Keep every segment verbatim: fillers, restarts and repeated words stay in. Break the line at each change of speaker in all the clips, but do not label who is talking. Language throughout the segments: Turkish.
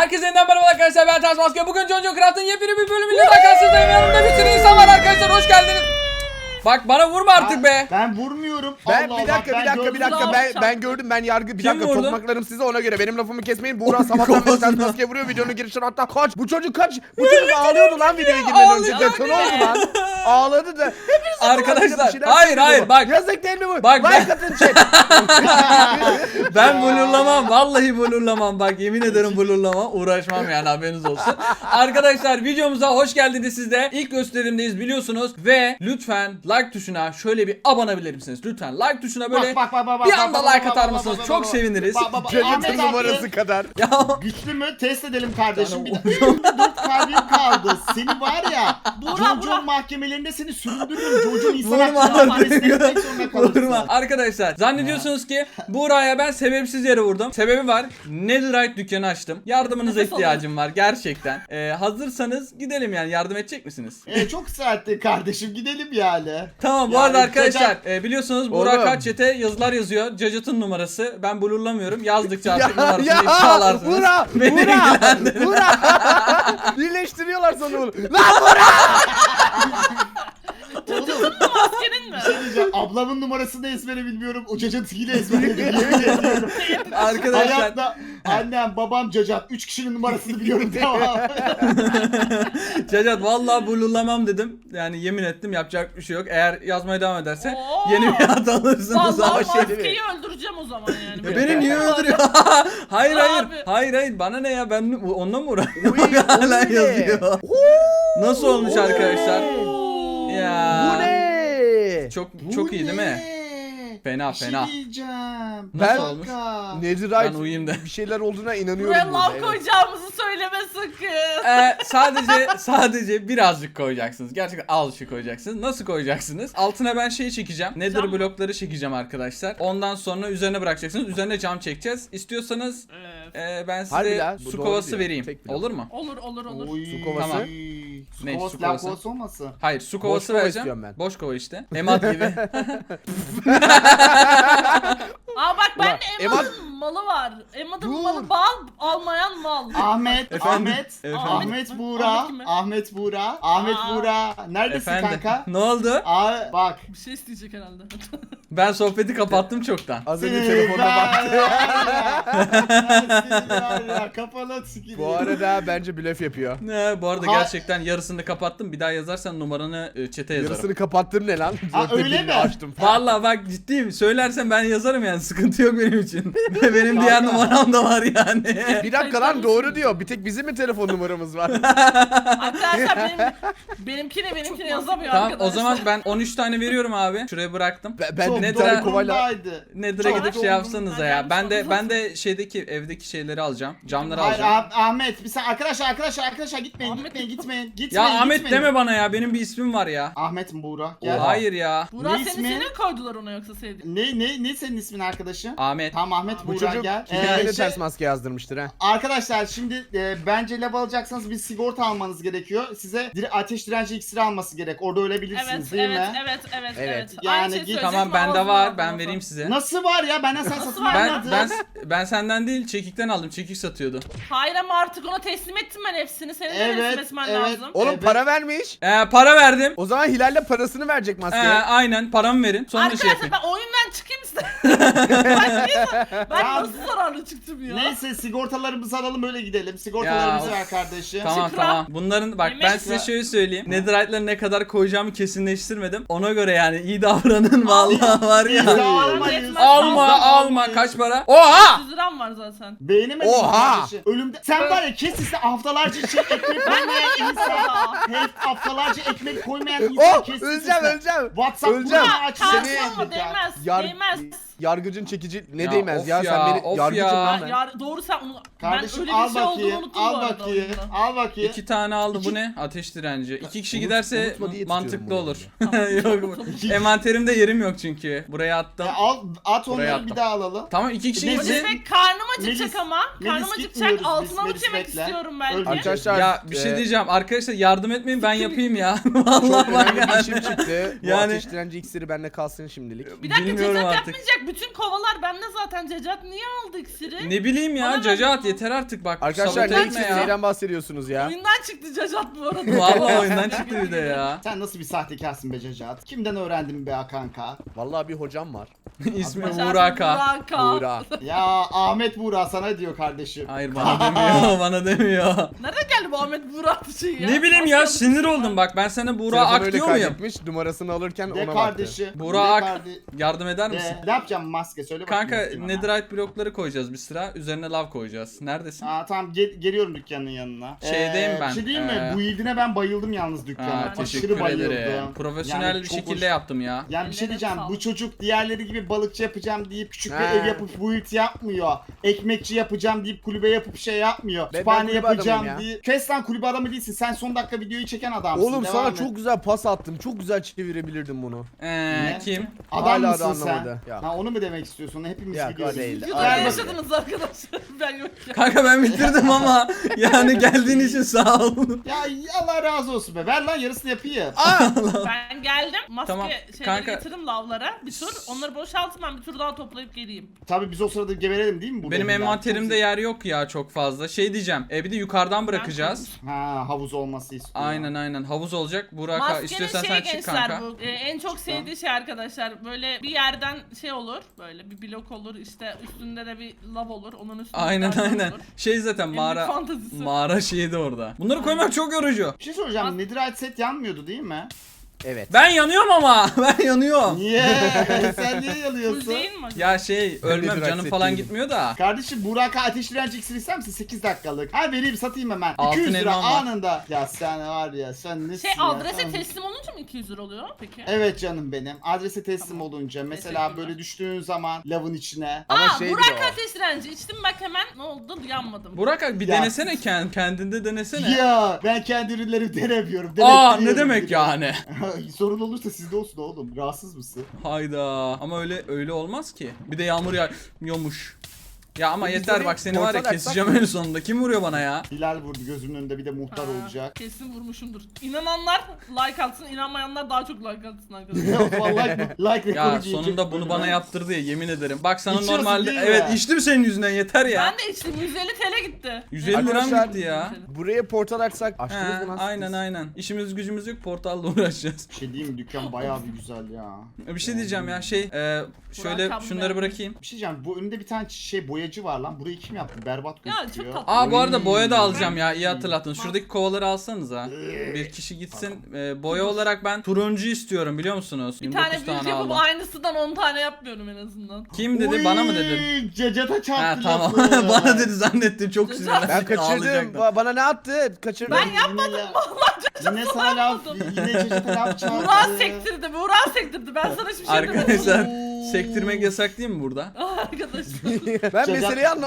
Herkese yeniden merhaba arkadaşlar, ben Ters Maske. Bugün Jojo Craft'ın yepyeni bir bölümüyle daha karşınızdayım. Yanımda bir sürü insan var arkadaşlar, hoş geldiniz. Bak bana vurma artık be.
Ben vurmuyorum.
Ben
Allah
bir dakika
Allah,
bir dakika
ben
bir dakika
gördüm.
ben ben gördüm ben yargı bir
Kim
dakika
vurdu?
tokmaklarım size ona göre benim lafımı kesmeyin. Buğra sabahtan beri Ters Maske vuruyor videonun girişine hatta kaç bu çocuk kaç bu çocuk ağlıyordu lan videoya girmeden önce
Ağlayacak
detone oldu lan ağladı da hepiniz
Arkadaşlar, hayır, hayır, bak.
yazık değil mi bu
Bak, ben-
like atın chat.
Ben blurlamam, vallahi blurlamam, bak yemin ederim blurlamam, uğraşmam yani, haberiniz olsun. Arkadaşlar videomuza hoş geldiniz siz de. İlk gösterimdeyiz biliyorsunuz ve lütfen like tuşuna şöyle bir abanabilir misiniz? Lütfen like tuşuna böyle
Bak, bak, bak, bak,
bir
bak,
anda
bak,
like
bak,
atar
bak,
mısınız?
bak,
Çok
bak,
seviniriz.
bak, bak, bak.
Chat'in
Ahmet abi,
numarası kadar.
Ya
güçlü mü? Test edelim kardeşim. Bir de dört kalbim kaldı. Seni var ya. Jojo mahkemelerinde seni süründürürüm. Jojo insan
Vurma
hakları mahkemesine
artık.
gitmek zorunda kalırsın.
Vurma. Arkadaşlar zannediyorsunuz ki Buğra'ya ben sebepsiz yere vurdum. Sebebi var. Netherite dükkanı açtım. Yardımınıza
Nefes
ihtiyacım var gerçekten. Ee, hazırsanız gidelim yani, yardım edecek misiniz?
E, çok sertti kardeşim. Gidelim yani.
Tamam bu
Yani
arada arkadaşlar
Cacat-
e, biliyorsunuz Buğra
Oğlum.
kaç çete yazılar yazıyor. Cacat'ın numarası. Ben blurlamıyorum. Yazdıkça artık
Ya
numarasını
ya
ifşalarsınız.
Buğra
Beni
Buğra
ilgilendirmez.
Buğra birleştiriyorlar sana bunu. Lan Buğra.
Oğlum
Maskenin mi?
bir şey diyeceğim. Ablamın numarasını ezbere bilmiyorum. O Cacat'ıyla ezberledim. Yemin ediyorum.
Arkadaşlar
Hayatta annem, babam, Cacat. Üç kişinin numarasını biliyorum, tamam.
Cacat vallahi blurlamam dedim. Yani yemin ettim, yapacak bir şey yok. Eğer yazmaya devam ederse
Oo.
yeni bir ad alırsınız.
Vallahi
Ama şey
maskeyi öldüreceğim o zaman yani.
Ya beni niye öldürüyor? hayır hayır.
Abi.
Hayır hayır. Bana ne ya? Ben onunla mı
Uy,
uğraşıyorum?
o
Hala
ne?
yazıyor. Nasıl olmuş arkadaşlar?
Oo.
Ya.
Bu ne?
Çok
Bu
çok iyi değil mi?
ne?
Fena,
Bir şey
fena.
diyeceğim.
Nasıl
Bir
olmuş?
dakika.
Netherite
Ben uyuyayım da.
bir şeyler olduğuna inanıyorum.
Buraya
burada,
lav
evet.
koyacağımızı söyleme sakın.
Ee, sadece sadece birazcık koyacaksınız. Gerçekten azıcık koyacaksınız. Nasıl koyacaksınız? Altına ben şey çekeceğim. Nether
Cam.
blokları çekeceğim arkadaşlar. Ondan sonra üzerine bırakacaksınız. Üzerine cam çekeceğiz. İstiyorsanız
Evet.
e, ben
Harbi
size
la, bu
su
doğru
kovası
diyor.
vereyim.
Tek blok.
Olur mu?
Olur olur olur.
Oy.
Su kovası.
Tamam.
Su
Ne,
kovası,
su
lav
kovası?
kovası olmasın?
Hayır, su kovası
kova
vereceğim.
istiyorum ben.
Boş kova işte. Emat gibi.
Aa bak ben
Ulan,
de Emad'ın malı var. Emad'ın
Dur.
malı bal almayan mal.
Ahmet,
Efendim?
Ahmet,
Efendim?
Ahmet Buğra,
Ahmet kim?
Ahmet Buğra, Ahmet
Aa.
Buğra. Neredesin
Efendim.
kanka?
Ne oldu?
Aa, bak.
Bir şey isteyecek herhalde.
Ben sohbeti kapattım çoktan.
Az önce
Seni
telefonuna
var
baktı.
ya, seni var ya, kapalı sikili.
Bu arada bence blöf yapıyor.
Ne, bu arada
Ha-
gerçekten yarısını kapattım. Bir daha yazarsan numaranı e, chat'e yazarım.
Yarısını kapattın ne lan?
Ha,
Zaten
öyle
dilini
mi?
Açtım.
Vallahi bak ciddiyim. Söylersen ben yazarım yani. Sıkıntı yok benim için. Benim diğer
Kanka.
numaram da var yani.
Bir dakika lan doğru diyor. Bir tek bizim mi telefon numaramız var?
Arkadaşlar benim benimkini benimkini yazamıyor
Tamam
arkadaşlar.
o zaman ben on üç tane veriyorum abi. Şuraya bıraktım.
Ben, ben
Çok
bir
ne
tane
kadar-
kovayla...
umurumdaydı.
Nether'a
Çok
gidip şey
umurumda.
yapsanıza
Ben
ya.
gelmiş
Ben de
oldum
ben de şeydeki evdeki şeyleri alacağım. Camları
Hayır
alacağım.
Ah- Ahmet, bir sen arkadaşlar arkadaşlar arkadaşlar gitmeyin
Ahmet-
gitmeyin gitmeyin
Ya
gitmeyin.
Ahmet
gitmeyin.
deme bana ya. Benim bir ismim var ya.
Ahmet mi Buğra? Gel.
Oha.
Hayır ya.
Burak
Ne
seni
ismi?
seni mi koydular ona yoksa sevdiğin?
Ne ne ne senin ismin arkadaşım?
Ahmet.
Tamam Ahmet
Bu
Buğra
çocuk
gel.
kendine
Ee, şey-
ters maske yazdırmıştır ha.
Arkadaşlar şimdi e, bence lav alacaksanız bir sigorta almanız gerekiyor. Size dire ateş direnci iksiri alması gerek. Orada ölebilirsiniz
Evet
değil
evet,
mi?
evet evet
Evet.
evet
Yani
Aynı şeyi
git-
söyleyecektim,
Tamam bende
ağzıma
var.
aldın
Ben
lafı.
vereyim size.
Nasıl var ya? Benden sen satın
var?
Ben
almadın.
ben ben senden değil, çekikten aldım. Çekik satıyordu.
Hayır ama artık ona teslim ettim ben hepsini. Senin de
Evet,
teslim etmen
evet.
lazım.
Oğlum
Evet.
para vermiş.
Ee, para verdim.
O zaman Hilal'le parasını verecek
Ee,
maskeye.
aynen paramı verin. Sonra şey
Arkadaşlar
yapayım.
ben oyundan çıkayım size. ben, niye zar- ben
Ya-
nasıl zararlı çıktım ya?
Neyse sigortalarımızı alalım öyle gidelim. Sigortalarımızı
Ya,
ver kardeşim.
Tamam
Şükran.
tamam. Bunların bak ben
Yemek
size
ya.
şöyle söyleyeyim. Netherite'ları ne kadar koyacağımı kesinleştirmedim. Ona göre yani iyi davranın vallahi var
Biz
ya.
de almayız.
Yetmez.
Alma
Biz de
alma
almayız.
kaç para? Oha!
yüz liram var zaten.
Beğenemedin mi
Oha!
kardeşim? Ölümde... Sen var ya kes iste haftalarca içine ekmek koymayan insan. Hep haftalarca ekmek koymayan insan
Oh
kes
öleceğim
iste.
öleceğim.
WhatsApp
Öleceğim.
grubunu aç.
Seni-
Seni...
Karşılama değmez.
Yar-
Değmez.
Yargıcın çekici ne
Ya
değmez
of
ya,
ya,
sen beni
of
yargıcım
ya.
lan
Ya,
ben.
yar- doğru sen onu...
Kardeşim
ben öyle
al
bir şey olduğunu
bakayım.
unuttum
Al
bu arada
bakayım.
oyunda.
Al bakayım.
İki tane aldı
İki-
bu ne? Ateş direnci. İki kişi
Unut-
giderse
unutma diye
mantıklı
tutuyorum
olur.
bunu
Yok bu- envanterimde yerim yok çünkü. Buraya attım.
E, al at
Buraya
onları
attım.
bir daha alalım.
Tamam iki kişi
Melis-
gitsin.
Melis Bey karnım acıkacak
Melis-
ama. Karnım
Melis
acıkacak.
gitmiyoruz biz,
Altına
Melis
mı yemek
bekle.
istiyorum belki.
Öldü.
Arkadaşlar
Ya bir şey
e,
diyeceğim arkadaşlar, yardım etmeyin ben yapayım ya.
çok
Vallahi bak
önemli bir
yani.
işim çıktı. Bu
Yani-
ateş direnci iksiri bende kalsın şimdilik.
Bir dakika
Bilmiyorum
cezat
artık
Yetmeyecek bütün kovalar bende zaten. Cacat niye aldı iksiri?
Ne bileyim ya
Bana
Cacat
ver.
yeter artık bak.
Arkadaşlar
sabote
ne
etme
için
ya.
neyden bahsediyorsunuz ya?
Oyundan çıktı Cacat bu arada.
Vallahi oyundan çıktı bir de ya.
Sen nasıl bir sahtekarsın be Cacat? Kimden öğrendin be kanka?
Vallahi bir hocam var.
İsmi
Cacat
Buraka.
Buraka.
Buğra.
Ya Ahmet Buğra sana diyor kardeşim.
Hayır bana demiyor bana demiyor.
Nereden geldi bu Ahmet Burak şey ya?
Ne bileyim ya
Nasıl
sinir
yapıyorsun
oldum
sen?
bak ben sana Buğra
Telefonu
Ak
öyle
diyor muyum?
kaydetmiş, numarasını alırken
De
ona baktı.
kardeşi.
Buğra
de
Ak
kardeşi.
yardım eder misin?
De, ne yapacağım maske söyle bakayım.
Kanka
bakayım bana.
netherite blokları koyacağız bir sıra. Üzerine lav koyacağız. Neredesin?
Aa tamam gel- geliyorum dükkanın yanına.
Şeydeyim ben,
Bir şey diyeyim mi?
ee,
Bu ildine ben bayıldım yalnız dükkana.
Aa,
Aşırı
teşekkür
bayıldım.
ederim. Profesyonel
Yani
bir
çok
şekilde
hoş-
yaptım ya.
Yani bir şey
Ellerine
diyeceğim.
sağlık.
Bu çocuk diğerleri gibi balıkçı yapacağım deyip küçük bir
He.
ev yapıp build yapmıyor. Ekmekçi yapacağım deyip kulübe yapıp şey yapmıyor.
ben
Kütüphane
kulübe
yapacağım
adamıyım ya.
deyip. Kes lan kulübe adamı değilsin. Sen son dakika videoyu çeken adamsın.
Oğlum
Devam
sana
et.
çok güzel pas attım. Çok güzel çevirebilirdim bunu.
Ee,
Ne?
kim?
Adam
Hala da
mısın sen?
anlamadı. Ya.
Ha, onu mu demek istiyorsun? Hepimiz
Ya,
biliyoruz.
değil.
Videoda
Ver
ne
bakayım.
yaşadınız arkadaşlar? Ben yokken.
Kanka ben bitirdim ama yani geldiğin için sağ ol.
Ya Allah razı olsun be. Ver lan yarısını yapayım.
Ben geldim. Maske
Tamam,
şeyleri
kanka.
getirdim lavlara. Bir tur. Onları boşaltın ben bir tur daha toplayıp geleyim.
Tabii biz o sırada geberelim değil mi? Bu
Benim
bölümden?
envanterimde
Çok-
yer yok ya çok fazla. Şey diyeceğim. E bir de yukarıdan bırakacağız.
Ha havuz olması istiyor.
Aynen aynen. Havuz olacak. Burak
Maskenin
istiyorsan
şey
sen çık
gençler
kanka.
bu. Ee, en çok sevdiği şey arkadaşlar. Böyle bir yerden şey olur. Böyle bir blok olur. İşte üstünde de bir lav olur. Onun üstünde
Aynen
bir tane
aynen.
olur.
Şey zaten
En
mağara
büyük fantazisi.
mağara şeyi de orada. Bunları koymak çok yorucu.
Bir şey soracağım. Netherite set yanmıyordu değil mi?
Evet.
Ben yanıyorum ama. Ben yanıyorum.
Niye? Sen niye
Full
yanıyorsun?
değil mi?
Ya şey ölmem
Nedir
canım falan
aksettiğim?
gitmiyor da.
Kardeşim Burak'a ateş direnci iksir ister misin? sekiz dakikalık. Ha vereyim satayım hemen.
Altın
iki yüz lira
elmam var.
anında. Ya sen var ya sen nesin
Şey
ya?
adrese
Tamam.
teslim olunca mı iki yüz lira oluyor peki?
Evet canım benim. Adrese teslim
Tamam.
olunca mesela
Teşekkürler.
böyle düştüğün zaman lavın içine.
Ama
Aa
şeydir
Burak
o.
ateş direnci içtim bak hemen ne oldu yanmadım.
Burak abi bir
Ya.
denesene kend, kendinde denesene.
Ya ben kendi ürünlerimi denemiyorum.
Aa
denettiriyorum
ne demek
biliyorum.
yani?
Sorun olursa sizde olsun oğlum. Rahatsız mısın?
Hayda ama öyle öyle olmaz ki. Bir de yağmur yağıyormuş. Ya ama
Biz
yeter
orayı
bak seni var ya
portal
keseceğim en sonunda. Kim vuruyor bana ya?
Hilal vurdu gözümün önünde bir de muhtar
Ha,
olacak.
Kesin vurmuşumdur. İnananlar like atsın, inanmayanlar daha çok like atsın arkadaşlar.
Vallahi like rekoru
Ya
giyecek
sonunda bunu
bölüm.
bana yaptırdı ya yemin ederim. Bak sana
İçiyorsun
normalde
değil mi?
evet içtim senin yüzünden yeter ya.
Ben de içtim yüz elli TL gitti.
yüz elli liram
Arkadaşlar,
gitti ya.
Buraya portal açsak
He,
açtınız mı lan?
aynen
siz?
aynen. İşimiz gücümüz yok portalla uğraşacağız.
Bir şey diyeyim mi? Dükkan bayağı bir güzel ya.
Bir şey diyeceğim ya şey e, şöyle
Burak
şunları
abi.
bırakayım.
Bir şey diyeceğim. Bu önünde bir tane şey boyacı var lan. Burayı kim yaptı? Berbat
Ya, çok
gözüküyor.
tatlı.
Aa bu arada
Oy.
boya da alacağım ya iyi hatırlattın. Şuradaki kovaları alsanız ha.
Ee,
Bir kişi gitsin. E, boya olarak ben turuncu istiyorum biliyor musunuz?
Bir
yirmi dokuz
tane büyük yapıp
aldım.
aynısından on tane yapmıyorum en azından.
Kim dedi
Oy,
bana mı dedin?
Cacata çarptı
Ha tamam.
lafı.
Bana dedi zannettim çok
Ben
sinirlendim.
Ben kaçırdım.
Ağlayacaktım.
Ba- bana ne attı? Kaçırdım.
Ben yapmadım
Yine, yine sana laf, yine Cacata laf çarptı.
Burak sektirdi, Burak sektirdi. Ben sana hiçbir şey demedim.
Arkadaşlar
Oo.
sektirmek yasak değil mi burada?
Arkadaşlar.
ben
Cacat-
meseleyi anlam.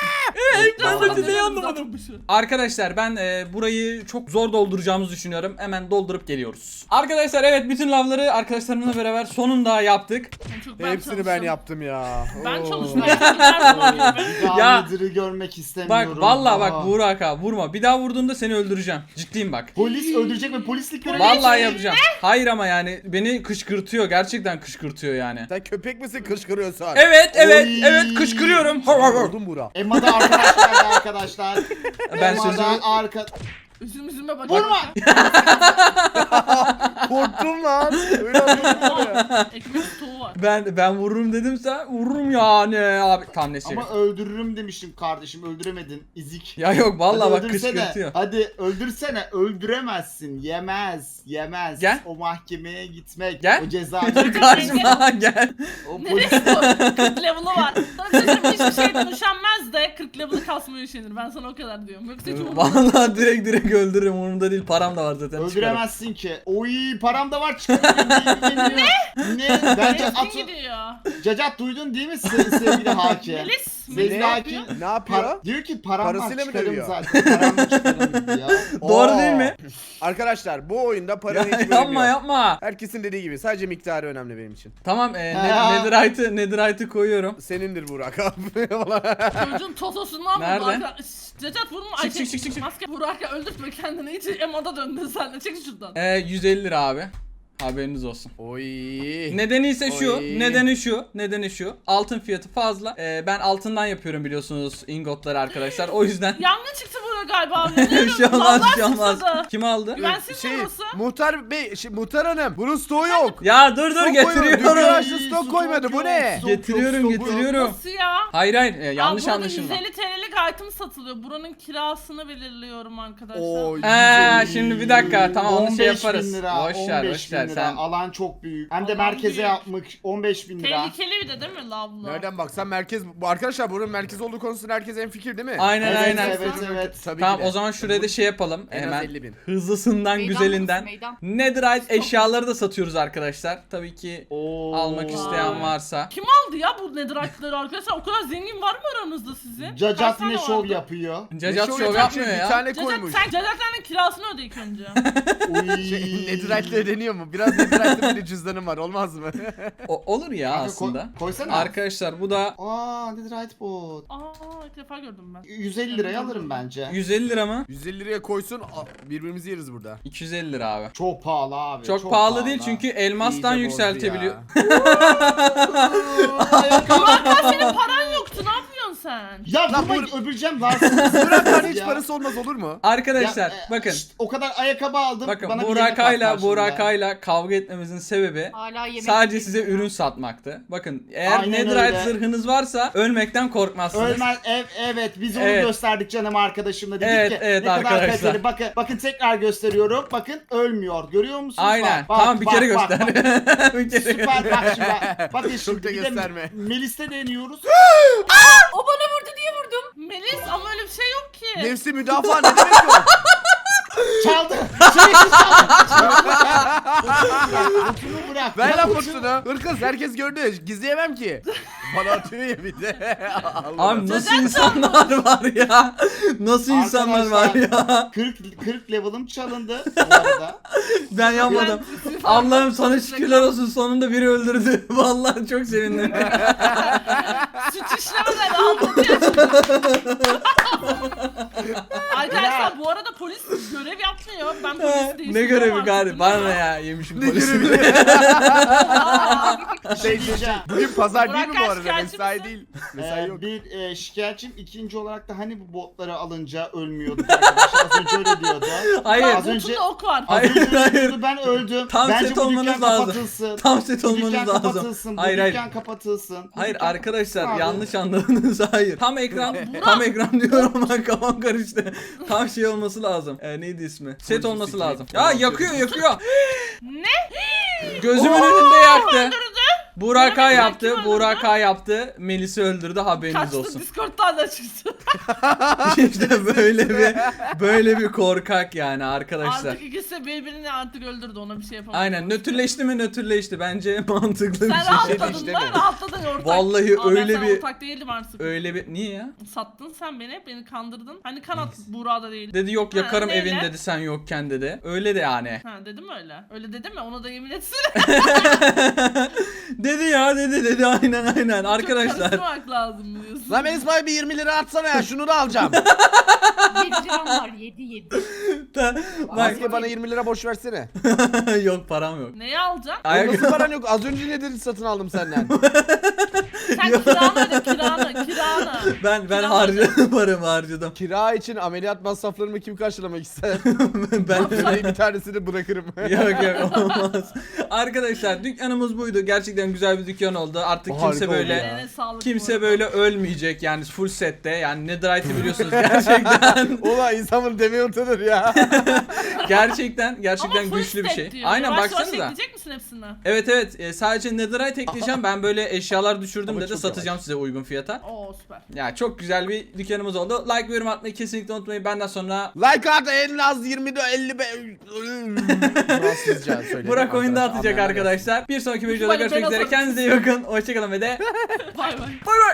Ben neyi anlamadım.
Zaten şu.
Arkadaşlar ben e, burayı çok zor dolduracağımızı düşünüyorum. Hemen doldurup geliyoruz. Arkadaşlar evet bütün lavları arkadaşlarımızla beraber sonunda yaptık.
En çok ben
Hepsini ben
çalıştım.
yaptım ya.
Ben
Oo.
çalıştım. Ben
Bir daha
Ya.
Nether'ı görmek istemiyorum.
Bak vallahi
Aa.
bak Burak abi vurma. Bir daha vurduğunda seni öldüreceğim. Ciddiyim bak.
Polis öldürecek ve polislik görevi.
Vallahi yapacağım. Hayır ama yani beni kışkırtıyor. Gerçekten kışkırtıyor yani.
Sen köpek misin kışkırıyorsun?
Evet evet
Oy.
evet kışkırıyorum. Hav, hav, hav.
Oldum Burak.
Emma'da arkadaşlar arkadaşlar.
Ben
Emma'da
sözümü
arka...
Üzüm üzüme bak.
Vurma!
Korktum lan. Öyle anladım.
Ekmek stoğu var.
ben ben vururum dedimse vururum yani abi. Tam ne şey.
Ama öldürürüm demiştim kardeşim öldüremedin izik.
Ya yok vallahi
Hadi
bak
öldürsene.
kışkırtıyor.
Hadi öldürsene öldüremezsin yemez yemez.
Gel.
O mahkemeye gitmek.
Gel.
O cezayı.
Karşıma gel.
o polis.
Neresi o? kırk level'ı var. Sana bir şey söyleyeyim, hiçbir şeyden üşenmez de kırk level'ı kasmaya üşenir. Ben sana o kadar diyorum. Yoksa hiç umurumda.
Vallahi direkt direkt öldürürüm umurumda değil param da var zaten çıkarım.
Öldüremezsin ki. Oy param da var çıkarım. ne? Ne? Bence
Ezgin
atı...
gidiyor.
Cacat duydun değil mi se- sevgili hakim?
Melis.
Sevgili
Melis
Ne?
hakim.
Ne yapıyor?
Par- diyor ki param
Parasıyla
var
mı
çıkarım
dövüyor?
zaten. Param var çıkarım diyor.
Doğru
Oo.
değil mi?
Arkadaşlar bu oyunda paranın
Ya,
hiç bölümü
yapma
yok.
yapma.
Herkesin dediği gibi sadece miktarı önemli benim için.
Tamam e,
Ha.
ne, netherite'ı netherite'ı koyuyorum.
Senindir Burak abi.
Çocuğun totosundan
Nerede?
vurdu arka. Şşş, Cacat vurma.
Çık, çık, çık, çık, çık.
Maske Burak'a öldürtme kendini. İyice Emada döndün sen de. Çek şuradan.
E, yüz elli lira abi. Haberiniz olsun.
Oy.
Nedeni ise şu,
Oy.
nedeni şu, nedeni şu. Altın fiyatı fazla. Ee, ben altından yapıyorum biliyorsunuz ingotları arkadaşlar. O yüzden
Yangın çıktı burada galiba.
bir şey olmaz, bir şey olmaz. Kim aldı?
Güvensiz
Şey,
mi burası?
muhtar bey, şey, muhtar hanım. Bunun stoğu yok.
Ya dur dur
Stok koymadı,
getiriyorum.
dünya aşırı stok koymadı. Bu ne?
Stok yok,
Getiriyorum,
stok yok.
getiriyorum.
Nasıl ya?
Hayır hayır, e, yanlış
Aa, burada
anlaşılma.
yüz elli T L'lik item satılıyor. Buranın kirasını belirliyorum arkadaşlar.
Oy.
Ee, şimdi bir dakika tamam onu şey
on beş bin
yaparız.
lira,
Boş ver,
on beş
boş
bin
ver
lira.
sen.
Alan çok büyük. Hem de
Alan
merkeze
büyük.
yapmış on beş bin lira.
Tehlikeli bir de değil mi lavlı?
Nereden baksan merkez. Bu arkadaşlar buranın merkez olduğu konusunda herkes en fikir değil mi?
Aynen
Evet,
aynen.
evet, evet.
Tabii
Tamam
ki de.
o zaman şuraya da şey yapalım.
En az
Hemen
elli bin.
hızlısından
Meydan
güzelinden.
burası, meydan.
Netherite eşyaları da satıyoruz arkadaşlar. Tabii ki
Oo.
almak isteyen varsa.
Kim aldı ya bu netherite'ları arkadaşlar? O kadar zengin var mı aranızda sizin? Kaç
Cacat
tane
ne şov
vardı?
yapıyor?
Cacat
Ne
şov
yapacak
yapmıyor
şey?
ya.
Bir tane
Cacat
koymuş.
sen Cacat'ların kirasını öde ilk önce.
Uy.
Şey, Netherite'le ödeniyor mu? Biraz Netherite'de bir cüzdanım var olmaz mı?
O, olur ya
Kanka,
aslında.
Koy, koysana.
Arkadaşlar bu da
Aa, Netherite bot.
Aa ilk defa gördüm ben.
yüz elli liraya alırım bence.
yüz elli lira mı?
yüz elli liraya koysun a- birbirimizi yeriz burada.
iki yüz elli lira abi.
Çok pahalı abi.
Çok, pahalı değil çünkü elmastan
İyice bozdu
yükseltebiliyor.
ya.
Burak'tan senin paran yoktu ne yapıyorsun sen?
Ya
Lan
vurma
bu-
öbüreceğim rahatsız.
Burak'tan hiç
Ya.
parası olmaz olur mu?
Arkadaşlar
Ya, e,
bakın.
şşt, o kadar ayakkabı aldım.
Bakın
bana bir yemek
Burakay'la
at karşılığında.
Burakay'la kavga etmemizin sebebi
Hala yemek
sadece
yemek
size
yiyorum.
ürün satmaktı. Bakın eğer
Aynen
Netherite
öyle.
zırhınız varsa ölmekten korkmazsınız.
Ölmez, ev, evet biz onu
Evet.
gösterdik canım arkadaşımla dedik
Evet,
ki
evet
ne kadar
arkadaşlar.
kaliteli. Bakın, bakın tekrar gösteriyorum. Bakın ölmüyor. Görüyor musunuz?
Aynen.
Bak,
Tamam bir
bak,
kere
bak,
göster.
bak.
bir kere
Süper bak şimdi bak. Bakın
Çok
şimdi
da
bir de
gösterme.
Melis'te deniyoruz.
O bana vurdu diye vurdum.
Melis ama öyle bir şey yok ki.
Nefsi müdafaa ne demek o?
Çaldı. Sürekli çaldı. Botunu bırak.
Ver
Ya
lan
botunu-
postunu. Hırkız herkes gördü. Gizleyemem ki. Bana atıyor ya bir de. Allah.
Abi nasıl insanlar var ya? Nasıl insanlar var ya?
kırk kırk level'ım çalındı bu arada.
Ben yapmadım. Allah'ım sana şükürler olsun sonunda biri öldürdü. Vallahi çok sevindim.
Suç işlemeden aldı diye. Arkadaşlar bu arada polis görev yapmıyor. Ben polis değiştirdim.
ne görevi
artık,
gari?
değil
Bana
mi?
ne ya yemişim
Ne
polisi.
görevi?
Aa,
Şey,
diyeceğim.
Bugün pazar değil mi
Burak
bu
kaç
arada?
şikayetçi
Mesai
misin?
değil. Mesai
Ee,
yok.
bir e, şikayetçim, ikinci olarak da hani bu botları alınca ölmüyorduk arkadaşlar. Az önce öyle diyordu.
Hayır.
Az önce
botunda ok var.
az
Hayır,
önce öyle
hayır.
diyordu, ben öldüm.
Tam
Bence
set
bu
olmanız
dükkan
lazım.
kapatılsın.
Tam set
Bu
olmanız
dükkan
lazım.
kapatılsın. Bu
Hayır hayır.
dükkan kapatılsın. Bu
Hayır
dükkan
arkadaşlar
kapatılsın abi.
yanlış anladınız. Hayır. Tam ekran
Burak.
tam ekran diyorum ama kafam karıştı. Tam şey olması lazım. Ee, neydi ismi? Set
Polisi
olması
sikeyim.
lazım. Ya yakıyor yakıyor.
Ne?
Gözümün önünde yaktı.
Öldürdü.
Buraka
Benim
yaptı.
kim öldürdü?
Buraka yaptı. Melis'i öldürdü haberiniz
Kaçtı
olsun.
Discord'dan da çıktı.
işte böyle bir böyle bir korkak yani arkadaşlar.
Artık ikisi birbirini artık öldürdü ona bir şey yapamadı.
Aynen nötrleşti mi nötrleşti bence mantıklı bir
Sen
şey.
rahatladın
işte
mı?
mi?
Rahatladın ya ortak.
Vallahi
Ama ben
öyle
sana
bir-
ortak değildim artık.
Öyle bir niye ya?
Sattın sen beni, beni kandırdın. Hani kanat Buğra'da değil.
Dedi yok
Ha,
yakarım
neyle?
evin dedi sen yokken dedi. Öyle de yani.
Ha dedim öyle. Öyle dedim mi? Ona da yemin etsin.
dedi ya dedi dedi aynen aynen
Çok
arkadaşlar.
karıştırmak lazım diyorsun.
Lan Melis Bey bir yirmi lira atsana ya şunu da alacağım.
yedi liram var yedi yedi.
Bak
Maske bana yirmi lira boş versene.
yok param yok.
Neyi alacaksın?
Ayak
Nasıl paran yok? Az önce ne dedin satın aldım senden.
Sen kiranı öde kiranı kiranı.
ben ben
Kiram
harcadım paramı harcadım.
Kira için ameliyat masraflarımı kim karşılamak ister?
ben
Ben bir tanesini bırakırım.
yok yok olmaz. Arkadaşlar dükkanımız buydu. Gerçekten güzel bir dükkan oldu. Artık
Harika
kimse
oldu
böyle
ya.
Eline sağlık bu
kimse
arada.
böyle ölmeyecek yani full sette. Yani Netherite'i biliyorsunuz gerçekten.
Ulan insan bunu demeye utanır ya.
gerçekten gerçekten
Ama full
güçlü bir
stack
şey.
diyor.
Aynen
Yavaş yavaş
baksanıza.
ekleyecek misin hepsini?
Evet evet e, sadece Netherite ekleyeceğim. Ben böyle eşyalar düşürdüm
Ama
dedi
çok
satacağım
yavaş.
size uygun fiyata.
Oo süper.
Ya çok güzel bir dükkanımız oldu. Like ve yorum atmayı kesinlikle unutmayın. Benden sonra
Like at en az yirmi de elli be. Fransızca söyledim.
Burak oyunda
Arkadaşlar,
atacak
anlayanlar gelsin.
arkadaşlar. Bir sonraki videoda
Böyle
görüşmek
ben
üzere.
atarım.
Kendinize iyi bakın. Hoşçakalın ve de
Bay bay.
bay bay.